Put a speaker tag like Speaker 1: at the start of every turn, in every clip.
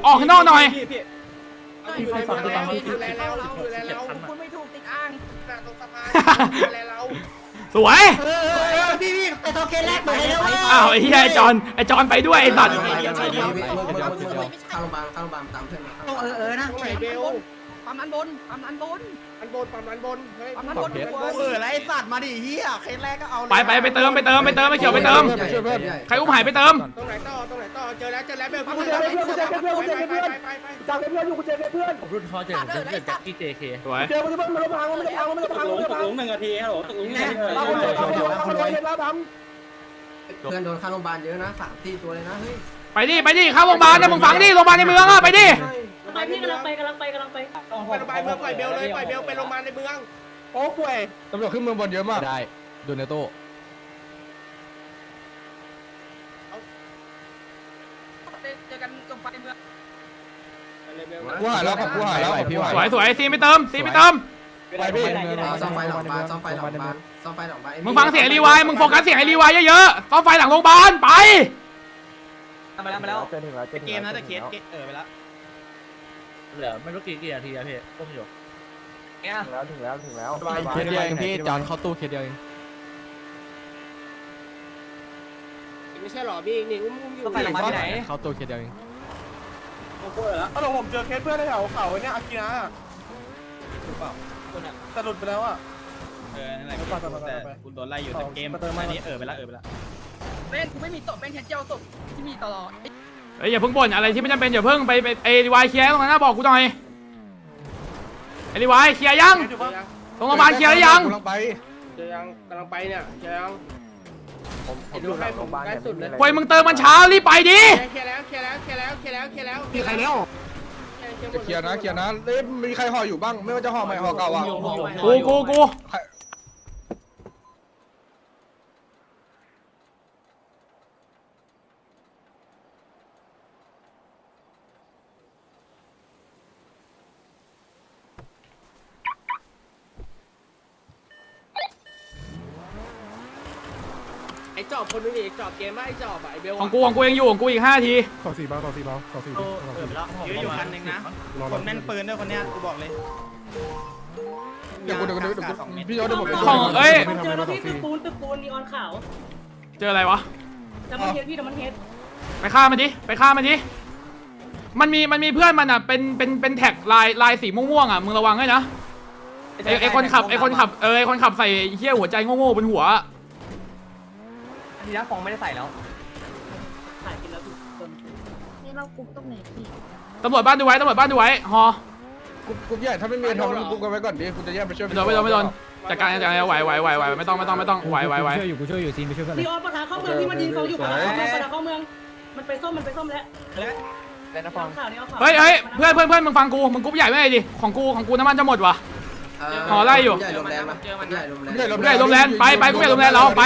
Speaker 1: ออกข้างนอกหน่อย
Speaker 2: อยู่ในเมืองแล้วอยู่แล้วคุณไม่ถูกติดอ่างตรงสะพานแล้ว
Speaker 1: สวย
Speaker 3: พี่ไปโทเค็นแรกไปแล้ว
Speaker 1: อ้าวไอ้เหี้ยไอ้จอนไปด้วยไอ้สัตว์
Speaker 3: เข้าโรงพยาบาลตามเพื่อนนะ
Speaker 2: ตรงไหนเบล
Speaker 4: ปั๊มนั้นบน
Speaker 2: ปั๊มนั้นบนเฮ้ย
Speaker 4: ปั๊มนั้นบน
Speaker 3: ไรสัตว์มาดิเฮียเค็นแรกก็เอา
Speaker 1: ไปเติมไม่เขียวไปเติมใครอุ้มหายไปเติม
Speaker 2: ตรงไหนต่อเจอแล้วเบลไป
Speaker 4: จับเพื่อนอยู่กูเจอเพื่อน
Speaker 5: ผมรุ่นเขาเจอผมเจอจากที่ JK
Speaker 1: สวย
Speaker 4: เจอมันจะมันพัง
Speaker 5: ตกลง1 นาทีครับผมตกลง1 นาที
Speaker 3: เพื่อนโดนเข้าโรงพยาบาลเยอะนะ3-4ตัวเลยนะเฮ้ย
Speaker 1: ไปดิเข้าโรงพยาบาลนะมึงฟังดิโรงพยาบาลในเมืองอ่ะไปดิ
Speaker 6: ไปพี่กำลังไป
Speaker 2: ไปโรงพยาบาลเมืองปล่อยเบลเลยปล่อยเบลไปโรงพยาบาลในเมือง
Speaker 4: โอ้คุย
Speaker 7: ตำรวจขึ้นเมืองบนเยอะมากได้โดนเนโต้
Speaker 2: เจอกันตรงไปเมือง
Speaker 7: กูหายแล้วครับกูหายแล้วพี่หาย
Speaker 1: สวยซีไปเติม
Speaker 7: ไปพี่
Speaker 3: ซ่อมไฟหลังบ้านซ่อมไฟหลังบ้าน
Speaker 1: มึงฟังเสียงไอ้รีวายมึงโฟกัสเสียงไอ้รีวายเยอะๆซ่อมไฟหลังโรงพยาบาลไป
Speaker 5: มาแล้ว
Speaker 4: เจอถึงแล้วเกมนะแต่เคสไปแล้ว
Speaker 5: เหลือไม่รู้กี่นาทีอะพี่ก้มอยู่เนี่ย
Speaker 4: ถึงแล้ว
Speaker 7: เคสเดียวเองพี่จอนเข้าตู้เคสเดียวเอง
Speaker 2: ไม่ใช่หรอพี่นี่อุ้มอยู่
Speaker 5: ต้องไปโรงพยาบาลที่ไหน
Speaker 7: เข้าตู้เคสเดียวเอง
Speaker 4: ผมเจอเคสเพื่อนในแถวเขาเนี่ยอากินะแต่หลุดไปแล้วอ่ะ
Speaker 5: นั่นแหละแต่คุณโดนไล่อยู่แต่เกมอันนี้ไปแล้ว
Speaker 2: เป้นกูไม่มีศพเป้นแค่เจ้าศพที่มีตลอด
Speaker 1: เฮ้ยอย่าเพิ่งบ่นอะไรที่ไม่จำเป็นอย่าเพิ่งไปไอ้รีวายเคลียร์ตรงนั้นนะบอกกูหน่อยไอ้รีวายเคลียร์ยังตรงโรงพยาบาลเคลียร์ยัง
Speaker 7: กำลังไป
Speaker 2: เจอยังกำลังไปเนี่ยเจอยังผมดูให้ผมได้สุดเลย
Speaker 1: ควยมึงเติมมันเช้ารีบไปดิ
Speaker 2: เคลียร์แล้ว
Speaker 4: มีใครแล้ว
Speaker 7: จะเคลียร์นะมีใครห่ออยู่บ้างไม่ว่าจะห่อใหม่ห่อเก่าอ่ะ
Speaker 1: กู
Speaker 2: ไอ้จอบคนนึงอีกจอบเกมไม่ไอ้จอบไอ้เบล
Speaker 1: ของกูยังอยู่ของกูอีก5 นาที
Speaker 4: ต่อ4 เบา
Speaker 5: ยื้ออยู่คันนึงนะคนแม่นปืนด้วยคนเนี้ยกูบอกเลย
Speaker 7: เดี๋ยวพี่ยอดเดี๋ยวผม
Speaker 1: ของเอ้ย
Speaker 6: เจอแล้วพี่ตึกปูนนีออนขาว
Speaker 1: เจออะไรวะ
Speaker 6: แต่มันเฮดพี่แต่มันเฮด
Speaker 1: ไปฆ่ามันดิมันมีเพื่อนมันอ่ะเป็นแท็กลายสีม่วงๆอ่ะมึงระวังให้นะไอคนขับไอคนขับใส่เหี้ยหัวใจโง่ๆบนหัว
Speaker 5: ทีนั้นฟองไม่ได้ใส่แล้ว
Speaker 6: ถ่ายกินแล้วทุกคน
Speaker 8: นี่เรากุ๊กตรงไหนพี่
Speaker 1: ตำรวจบ้านดูไว้ฮอ
Speaker 7: กูใหญ่ถ้าไม่มีทำกูกันไว้ก่อนดิกูจะแยกไปช่วย
Speaker 1: ไม่โดนจัดการไหวไม่ต้องไหว
Speaker 7: กูช่วยอยู่ซีนไปช่วยเพื่อน
Speaker 6: นีออนประธานเข้าเมืองที่มันยิงเขาอยู่ประธานเข้าเมืองมันไปส้มแล้วข่าวนี้เอาข่าว
Speaker 1: เฮ้ยเพื่อนมึงฟังกูมึงกรุ๊ปใหญ่ไม่ได้ดิของกูน้ำมันจะหมดวะห่อไล่อยู่
Speaker 3: ใหญ่ลมแรงมั้ยใหญ่ลมแรง
Speaker 1: ใหญ่ลมแรงไปกูใหญ่ลมแรงเราไป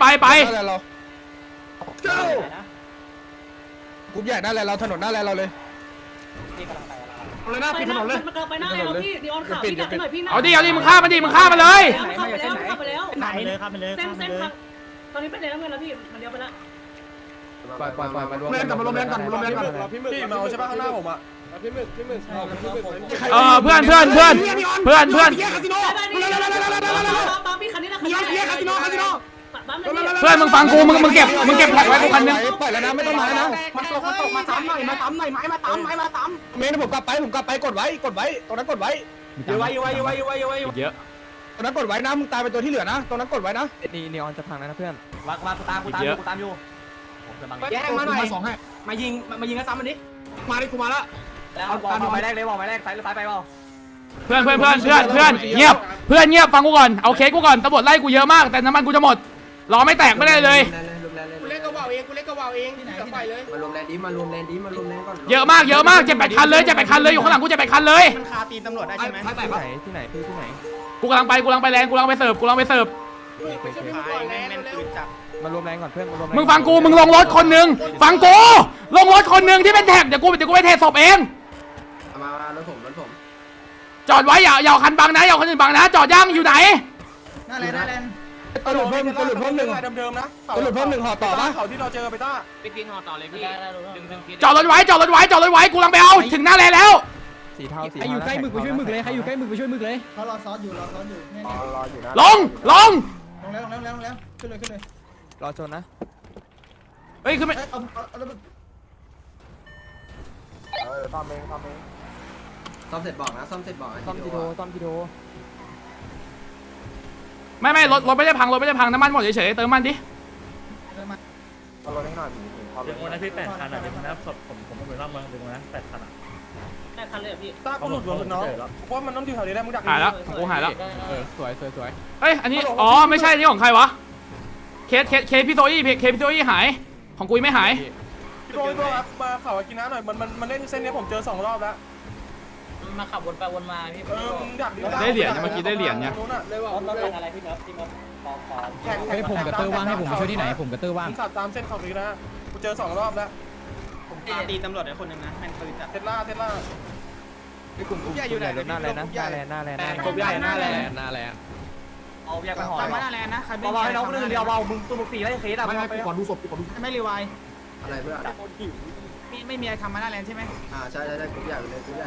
Speaker 7: กูใหญ่หน้าแลเราถนนหน้าแลเราเลย
Speaker 4: เลยหน้าปิดถนนเลย
Speaker 6: มันกำลังไปหน้าแล้วพี่นีออนข่าวพี่ดักหน่อยพี่นะ
Speaker 1: เอาดิมึงฆ่ามันเลย
Speaker 6: เข้าไปแล้ว
Speaker 5: ไหนเลยครับไปเลย
Speaker 6: เส้นทางตอนนี้ไปไหนแล้วเงินแล้วพี่มันเลี้ยวไปแล้ว
Speaker 7: ไปมารวม
Speaker 4: เล่นกันรพี่มึกมาใช่ป่ะข้างหน้าผมอ่ะพี่มึก
Speaker 1: เพื่อนมึงฟังกูมึงเก็บแท็กไว้กูคันนึง
Speaker 7: ปล่อยแล้วนะไม่ต้องมาแล้วนะ
Speaker 4: มาตกมาซ้ำหน่อยมาซ้ำ
Speaker 7: เมนผมกลับไปกดไว้ตรงนั้นกดไว้
Speaker 4: อยู่ไว้
Speaker 1: เยอะ
Speaker 7: ตรงนั้นกดไว้นะมึงตายเป็นตัวที่เหลือนะตรงนั้นกดไว้นะ
Speaker 5: นีออนจะพังนะเพื่อนมาตามอยู่
Speaker 4: แย่งมาหน่อยมายิงแล้วซ้ำมันดิมาดิกูมาละ
Speaker 5: แล้วบอกไปแรกเลยบอกไปแรกซ้ายหรือซ้ายไปเปล่า
Speaker 1: เพื่อนเงียบฟังกูก่อนเอาเคสกูก่อนตำรวจไล่กูเยอะมากแต่น้ำมันกูจะหมดรอไม่แตกไม่ได้เลย
Speaker 2: กูเล่นกระว่าวเองกับไฟเลย
Speaker 3: มารวมแรงก่อน
Speaker 1: เยอะมาก7-8 คันเลยอยู่ข้างหลังกู7-8 คันเลย
Speaker 5: มันคาตีนตำรวจได้ใช่ไหมที่ไหน
Speaker 1: กูกำลังไปแรงกูกำลังไปเสิร์ฟ
Speaker 5: แม่นปืนจับ
Speaker 7: มารวมแรงก่อนเพื่อน
Speaker 1: มึงฟังกูมึงลงรถคนนึงฟังกูลงรถคนนึงที่เป็นแท็กเดี๋ยวกูไปเทศพเอง
Speaker 3: มารถผม
Speaker 1: จอดไว้อย่าคันบังนะอย่าคันอื่นบังนะจอดย่างอยู่ไหน
Speaker 5: หน้าเลน
Speaker 7: ตำรวจเพิ่มตำรวจเพิ่มหนึ่ง
Speaker 2: เดิมๆนะ
Speaker 7: ตำรวจเพิ่มหนึ่งห่อต่อปะ
Speaker 2: เขาที่เราเจอไปต้า
Speaker 4: ไปกินห่อต่อเลยพี่ดึง
Speaker 1: จอดรถไว้จอดรถไว้จอดรถไว้กูกำลังไปเอาถึงหน้าแลนด์แล้ว
Speaker 9: ใครอยู่ใกล้หมึกไปช่วยหมึกเลยใครอยู่ใกล้หมึกไปช่วยหมึกเลย
Speaker 6: เขารอซ้อนอยู่แน่
Speaker 2: รออยู่นะ
Speaker 1: ลง
Speaker 6: ๆลงแล้วขึ้นเลย
Speaker 9: รอชนนะ
Speaker 1: เฮ้ยขึ้นไป
Speaker 6: เอา
Speaker 2: ซ่อมเอง
Speaker 3: ซ่อมเสร็จบอกนะซ่อมเสร็จบอก
Speaker 9: ต้อมกิโดต้อมกิโด
Speaker 1: ไม่รถไม่ได้พังน้ำมันหมดเฉยๆเติมมันดิ
Speaker 2: เอารถให้หน่อย
Speaker 5: ดึงวันนั้นพี่8 คันอ่ะดึงวันนั้นผมเป็นรอบเมืองดึงวันนั้น8 คันอ่ะ
Speaker 6: แน่คันเลยพี่
Speaker 2: ต้ากูหลุดรถน้องเพราะมันต้องอยู่แถวนี้ได้มึงดัก
Speaker 1: หายแล้วกูหายแล้ว
Speaker 9: สวย
Speaker 1: เฮ้ยอันนี้อ๋อไม่ใช่นี่ของใครวะเคสพี่โซอี้เคสพี่โซอี้หายของกูไม่หาย
Speaker 2: พี่โบ้ครับมาเขากินน้ำหน่อยมันเล่นเส้นนี้ผมเจอ2 รอบแล้ว
Speaker 4: มาขับวนไปวนมาพี่
Speaker 2: มึงดัก
Speaker 1: ได้เหรียญเนี่ยเมื่อกี้ได้เหรียญเนี่ย
Speaker 2: เลยว่า
Speaker 6: ต้องเป็นอะไรพี่เนิร์ฟ
Speaker 2: แข่ง
Speaker 9: ให้ผมกับเตอร์ว่างให้ผมช่วยที่ไหนผมกับเตอร์ว่าง
Speaker 2: มึงขับตามเส้นเขาดีนะกูเจอ2 รอบแล้ว
Speaker 4: ตีตำรวจไอ้คนนึงนะแม่นปืนจัด
Speaker 2: เทสลา
Speaker 9: ไอ้กลุ่มใหญ่อยู่ไหนหน้าแลนนะหน้าแลนหน้าแลน
Speaker 4: กบใหญ่หน้าแลน
Speaker 9: หน้าแลน
Speaker 4: เอาแยกไปห่อ
Speaker 6: ตามมาหน้าแลนนะใครไม่
Speaker 4: เบาๆให้น้องนึงเดียวเบามึงตัวมึง4ไล่เคสอ่ะ
Speaker 6: ไม่ก่อนดูศพไม่รีไว
Speaker 3: อะไรเพื่อน
Speaker 6: ไม่มีอะไรทำมาหน้าแลนใช่ไหม
Speaker 3: ใช่กรุ๊ปใหญ่เลยกรุ๊ปใหญ่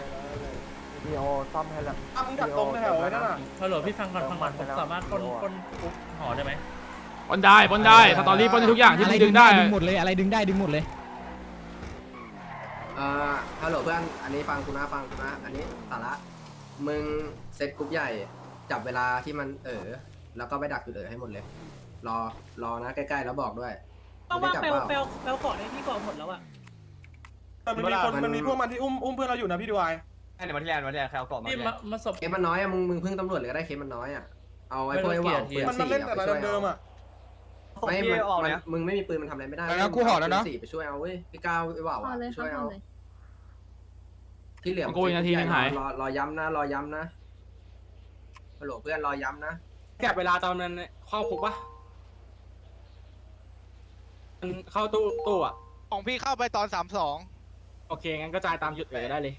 Speaker 2: มึงดักตรงแถวนั่นน่ะ
Speaker 5: ฮัลโหลพี่ฟังก่อนผมสามารถปล้นคุกห่อได้ไหม
Speaker 1: ปนได้สตอรี่ปนได้ทุกอย่างที่มึงดึงได้
Speaker 9: ดึงหมดเลยอะไรดึงได้ดึงหมดเลย
Speaker 3: ฮัลโหลเพื่อนอันนี้ฟังกูนะอันนี้สาระมึงเซตกรุ๊ปใหญ่จับเวลาที่มันแล้วก็ไปดักจุดให้หมดเลยรอนะใกล้ๆแล้วบอกด้วย
Speaker 6: ต้องว่าเปลเกาะในพี่เกาะหมดแล้วอะ
Speaker 2: มันมีพวกมันที่อุ้มเพื่อนเราอยู่นะพี่ดูไอ
Speaker 4: เดี๋ยวมาที่แลนด์ใครเอากล่องมา
Speaker 5: นี่มาศพ
Speaker 3: เคสมันน้อยอะมึงพึ่งตำรวจเลยก็ได้เคสมันน้อยอะเอาไอ้พวกไอ้ว่าวปืน
Speaker 2: มัน
Speaker 3: สี่
Speaker 2: เล่น
Speaker 3: อะ
Speaker 2: แต่
Speaker 3: ไป
Speaker 2: ละ
Speaker 3: ช่วย
Speaker 2: เดิม
Speaker 3: เอา
Speaker 2: อ่ะ
Speaker 3: ไม่มึงไม่มีปืนมันทำอะไรไม่ได้สี่ไปช่วยเอาเว้ยพี่ก้าวไอ้ว่าว
Speaker 8: พอเลย
Speaker 3: ช่วย
Speaker 8: พอ
Speaker 3: เอา
Speaker 8: เลย
Speaker 3: ที่เหลือรอย้ำนะฮัลโหลเพื่อนรอย้ำนะ
Speaker 4: แกะเวลาตอนนั้นเข้าคุกปะมันเข้าตู้อ่ะ
Speaker 10: ของพี่เข้าไปตอน32
Speaker 4: โอเคงั้นก็จ่ายตามจุดได้เลย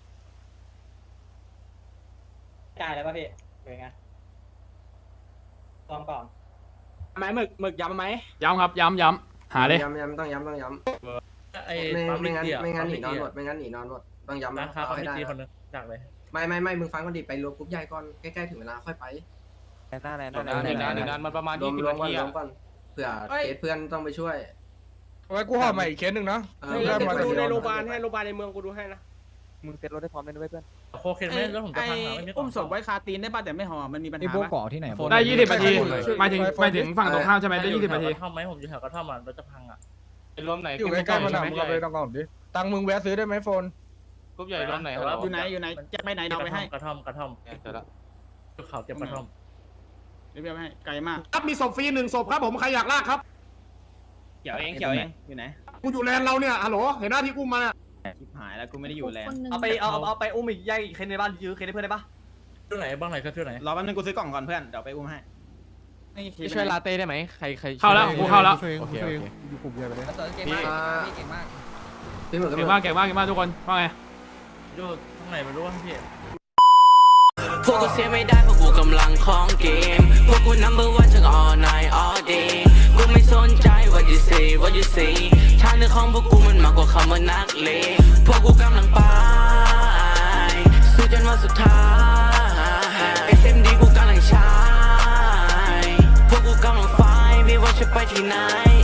Speaker 4: จ่ายแล้วป่ะพี่เป็นไงลองก่อนไหมหมึกย้ำไหม
Speaker 1: ย้ำครับย้ำหาเลย
Speaker 3: ย้ำต้องย้ำ
Speaker 5: ไอ้
Speaker 3: ไม่งั้น
Speaker 5: ปั๊
Speaker 3: ไม่งั้นหนีนอนหมดต้องย้ำ
Speaker 5: ราคา
Speaker 3: เอา
Speaker 5: เขา
Speaker 3: ให้
Speaker 5: ไม่
Speaker 3: ได้
Speaker 5: ตีคนนึงดักเลย
Speaker 3: ไม่มึงฟังก่อนดิไปรวมกรุ๊ปใหญ่ก่อนใกล้ๆถึงเวลาค่อยไป
Speaker 9: หน้าแลน
Speaker 4: หนึ่งนานมันประมาณ
Speaker 3: รวม
Speaker 4: 20 นาที
Speaker 3: ก่อนเผื่อเคสเพื่อนต้องไปช่วย
Speaker 7: ไว้กูห่อใหม่อีกเคสหนึ่งนะ
Speaker 2: ดูในโรงพยาบาลให้โรงพยาบาลในเมืองกูดูให้นะ
Speaker 9: มึงเซ็ตรถได้พร้อมเลยด้วยเพื่อน
Speaker 5: โคเคนไม่แล้วผมจะพังหาไม่มี
Speaker 6: อุ้มศพไว้คาตีนได้ป่ะแต่ไม่ห่อมันมีปัญ
Speaker 9: ไอ้
Speaker 6: หา
Speaker 9: โบเกาะที่ไหน
Speaker 1: ได้20 นาทีหมายถึงฝั่งตรงข้ามใช่ไหมได้20 นาที
Speaker 5: กระท่อมไหมผมอยู่แถวกระท่อมอ่ะรถจะพังอ่ะ
Speaker 4: รวมไหน
Speaker 7: อยู่ใกล้ๆมันหนักมึงเอาไปต้องก่อนดิตังมึงแวะซื้อได้ไหมโฟน
Speaker 4: กรุ๊ปใหญ่รวมไหนครับ
Speaker 6: อยู่ไหนจะไปไหนเราไปให้
Speaker 5: กระท่อมเขาเก็บกระท่อม
Speaker 6: เดี๋ยวไปให้ไกลมาก
Speaker 4: ครับมีศพฟรี1 ศพครับผมใครอยากลากครับเขียวเองอยู่ไหน
Speaker 2: กูอยู่แลนเราเนี่ยฮัลโหลเห็นหน้าที่อุ้มมา
Speaker 4: ชิบหายแล้วกูไม่ได้อยู่แลน
Speaker 8: คนหนึ่ง
Speaker 4: เอาไปอุ้มอีกย่าอีกเคนในบ้านยื้อเคนให้เพื่อนได้ปะ
Speaker 5: ที่ไหนบ้างไหนก็ที่ไหน
Speaker 4: รอแป๊บนึงกูซื้อกล่องก่อนเพื่อนเดี๋ยวไปอุ้มให้
Speaker 9: ช่วยลาเต้ได้ไหมใคร
Speaker 1: เข้าแล้วกูเข้าแล้ว
Speaker 9: โอเค
Speaker 7: อยู่กลุ่มใหญ่ไปเลย
Speaker 3: พี่หมึก
Speaker 1: เก่งมากทุกคนว่าไง
Speaker 5: อยู่ตรงไหนไม่รู้ว่าพี่
Speaker 11: พวกกูเสียไม่ได้เพราะกูกำลังของเกมพวกกู number one ทั้ง all night all day กูไม่สนใจ what you say ทางเดินของพวกกูมันมากกว่าคำว่านักเลงพวกกูกำลังไปสู้จนวันสุดท้าย SMD กูกำลังใช้พวกกูกำลังไฟไม่ว่าจะไปที่ไหน